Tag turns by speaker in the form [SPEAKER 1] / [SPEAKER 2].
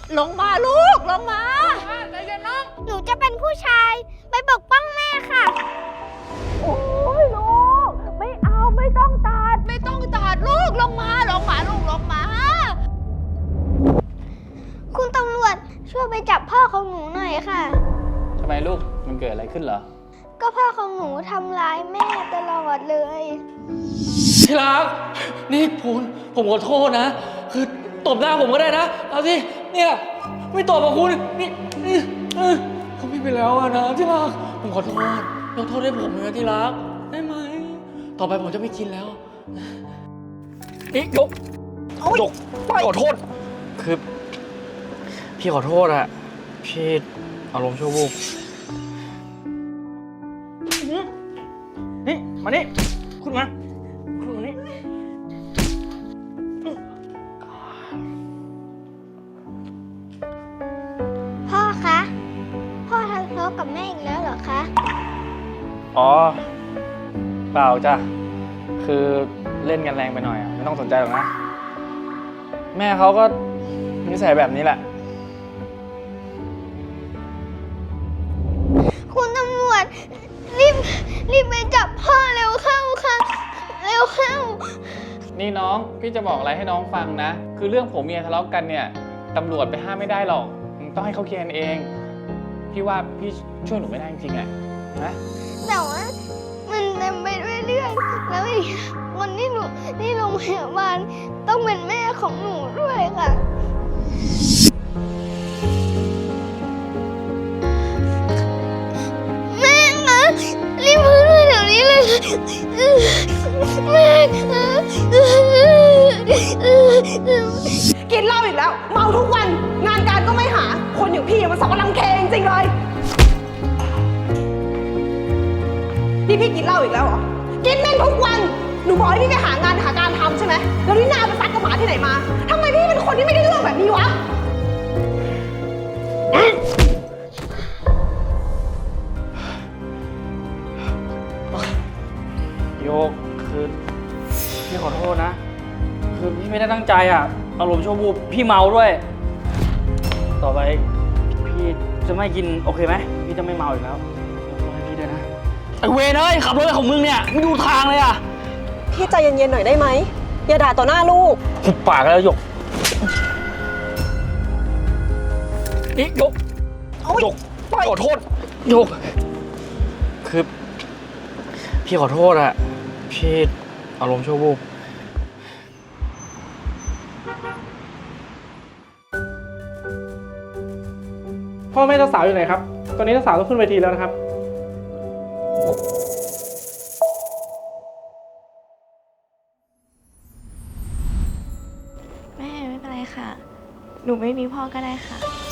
[SPEAKER 1] ลงมาลูกลงมาใจเย็นน้อง
[SPEAKER 2] หนูจะเป็นผู้ชายไปปกป้องแม่ค่ะ
[SPEAKER 1] โอ้ยลูกไม่เอาไม่ต้องตัดลูกลงมาลูกลงมา
[SPEAKER 2] คุณตำรวจช่วยไปจับพ่อของหนูหน่อยค่ะ
[SPEAKER 3] ทำไมลูกมันเกิดอะไรขึ้นเหรอ
[SPEAKER 2] ก็พ่อของหนูทำร้ายแม่ตลอดเลย
[SPEAKER 3] ที่รักนี่ผมขอโทษนะคือตบหน้าผมก็ได้นะเอาสิเนี่ยไม่ตบกับคุณนี่ผมไม่ไปแล้วนะที่รักผมขอโทษยกโทษให้ผมนะที่รักได้ไหมต่อไปผมจะไม่กินแล้วนี่ยกขอโทษคือพี่ขอโทษอะพี่อารมณ์ชั่ววูบนี่มานี่คุณมานี่
[SPEAKER 2] พ่อคะพ่อทะเลาะกับแม่อีกแล้วเหรอคะ
[SPEAKER 3] อ๋อเปล่าจ้ะคือเล่นกันแรงไปหน่อยไม่ต้องสนใจหรอกนะแม่เขาก็นิสัยแบบนี้แหละ
[SPEAKER 2] คุณตำรวจรีบไปจับพ่อเร็วเข้าค่ะเร็วเข้า
[SPEAKER 3] นี่น้องพี่จะบอกอะไรให้น้องฟังนะคือเรื่องผมเมียทะเลาะกันเนี่ยตำรวจไปห้ามไม่ได้หรอกต้องให้เขาเคลียร์กันเองพี่ว่าพี่ช่วยหนูไม่ได้จริงๆนะ
[SPEAKER 2] แต่ว่ามันเต็มไปด้วยเรื่องแล้วอีกคนที่หนูที่โรงพยาบาลต้องเป็นแม่ของหนูด้วยค่ะแม่คะรีบมาด้วยเดี๋ยวนี้เลยแม่คะ
[SPEAKER 1] กินเหล้าอีกแล้วเมาทุกวันงานการก็ไม่หาคนอย่างพี่มันสอนรังแคจริงๆเลยนี่พี่กินเหล้าอีกแล้วเหรอกินแม่งทุกวันหนูบอกให้พี่ไปหางานหาการทำใช่ไหมแล้วนี่นาไปซัดกับหมาที่ไหนมาทำไมพี่เป็นคนที่ไม่ได้เรื่องแบบนี้วะ
[SPEAKER 3] โยกคือพี่ขอโทษนะคือพี่ไม่ได้ตั้งใจอารมณ์ชั่ววูบพี่เมาด้วยต่อไปพี่จะไม่กินโอเคไหมพี่จะไม่เมาอีกแล้วยกโทษให้พี่ด้วยนะไอเวรเอ้ยขับรถของมึงเนี่ยไม่ดูทางเลย
[SPEAKER 1] พี่ใจเย็นๆหน่อยได้ไหมอย่าด่าต่อหน้าลูก
[SPEAKER 3] หุบปากแล้วหยกนี่หยกขอโทษหยกคือพี่ขอโทษพี่อารมณ์ชั่ววูบ
[SPEAKER 4] พ่อแม่เจ้าสาวอยู่ไหนครับตอนนี้เจ้าสาวต้องขึ้นเวทีแล้วนะครับ
[SPEAKER 5] แม่ไม่เป็นไรค่ะหนูไม่มีพ่อก็ได้ค่ะ